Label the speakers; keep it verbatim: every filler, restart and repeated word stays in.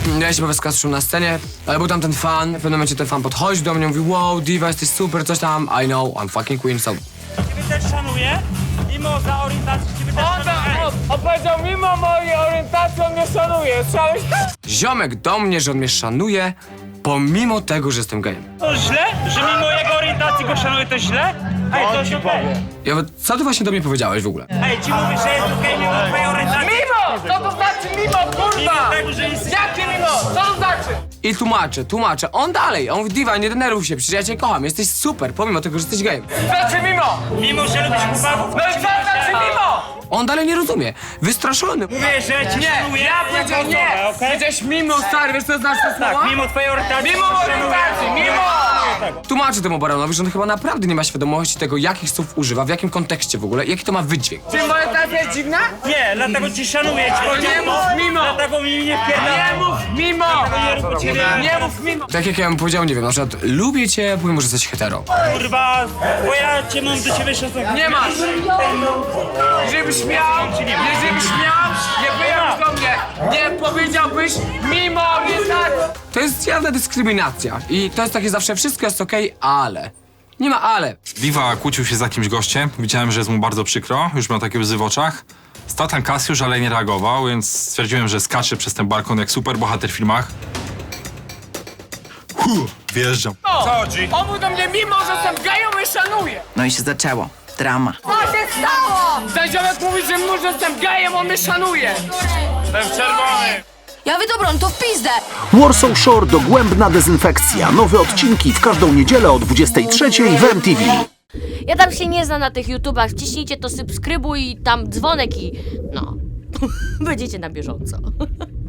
Speaker 1: Ja się powyskaszył na scenie, ale był tam ten fan. W pewnym momencie ten fan podchodzi do mnie, mówi wow, diva, jesteś super, coś tam. I know, I'm fucking queen, so...
Speaker 2: Ciebie też szanuję, mimo za orientację ciebie też
Speaker 3: On,
Speaker 2: szanuję.
Speaker 3: on, on powiedział, mimo mojej orientacji on mnie szanuje. Słyszałeś to?
Speaker 1: Ziomek do mnie, że on mnie szanuje, pomimo tego, że jestem gejem.
Speaker 2: To źle? Że mimo jego orientacji go szanuję, to źle? Ej, to jest okej.
Speaker 1: Ja, co ty właśnie do mnie powiedziałeś w ogóle?
Speaker 2: Ej, ci mówisz, że jest okej mimo twojej orientacji?
Speaker 3: Mimo! Co to znaczy mimo, kurwa?
Speaker 2: Mimo tego, że jesteś...
Speaker 3: Jakie mimo? Co to znaczy?
Speaker 1: I tłumaczę, tłumaczę. On dalej, on mówi, diva, nie denerwuj się, przecież ja cię kocham, jesteś super, pomimo tego, że jesteś gejem.
Speaker 3: Znaczy mimo!
Speaker 2: Mimo, że lubisz chłopaków,
Speaker 3: No i co znaczy mimo?
Speaker 1: On dalej nie rozumie, wystraszony.
Speaker 2: mówię, że cię
Speaker 3: Nie,
Speaker 2: szanuję.
Speaker 3: ja powiedziałem nie!
Speaker 2: osobę, okej?
Speaker 3: Powiedziałeś mimo, stary, wiesz co znaczy to słowa?
Speaker 2: Tak, mimo twojej orientacji
Speaker 3: Mimo
Speaker 2: cię
Speaker 3: orientacji,
Speaker 2: szanuję.
Speaker 3: mimo!
Speaker 1: Tłumaczę temu baronowi, że on chyba naprawdę nie ma świadomości tego, jakich słów używa, w jakim kontekście w ogóle, jaki to ma wydźwięk.
Speaker 3: Czy moja orientacja jest dziwna?
Speaker 2: Nie, dlatego cię szanuję. Ci
Speaker 3: nie
Speaker 2: powiedziałem
Speaker 3: mów
Speaker 2: to,
Speaker 3: mimo.
Speaker 2: Dlatego mi nie wpierdam.
Speaker 3: Nie mów mimo!
Speaker 2: Nie rób u ciebie.
Speaker 3: Nie mów mimo!
Speaker 1: Tak jak ja bym powiedział, nie wiem, na przykład lubię cię, powiem mu, że jesteś hetero.
Speaker 2: Kurwa, bo ja cię mam do ciebie szacunek.
Speaker 3: Nie masz! Żebyś miał, żebyś miał, nie wyjąłbyś do mnie, nie powiedziałbyś mimo orientacji!
Speaker 1: To jest jawna dyskryminacja i to jest takie zawsze, wszystko jest okej, ale... Nie ma ale.
Speaker 4: Diva kłócił się z jakimś gościem, widziałem, że jest mu bardzo przykro, już miał takie łzy w oczach. Stał tam Kasiusz, ale nie reagował, więc stwierdziłem, że skacze przez ten balkon jak superbohater w filmach. Huh, wjeżdżam.
Speaker 3: Co chodzi? On mówi do mnie, mimo że jestem gejem, mnie szanuje!
Speaker 5: No i się zaczęło. Drama.
Speaker 6: Co się stało?
Speaker 3: Ten ziomek mówi, że mimo że jestem gejem, on mnie szanuje! Ten czerwony!
Speaker 6: Ja mówię, dobra, no to w pizdę.
Speaker 7: Warsaw Shore dogłębna dezynfekcja. Nowe odcinki w każdą niedzielę o dwudziestej trzeciej w M T V.
Speaker 8: Ja tam się nie znam na tych YouTubach, wciśnijcie to subskrybuj i tam dzwonek i no, będziecie na bieżąco.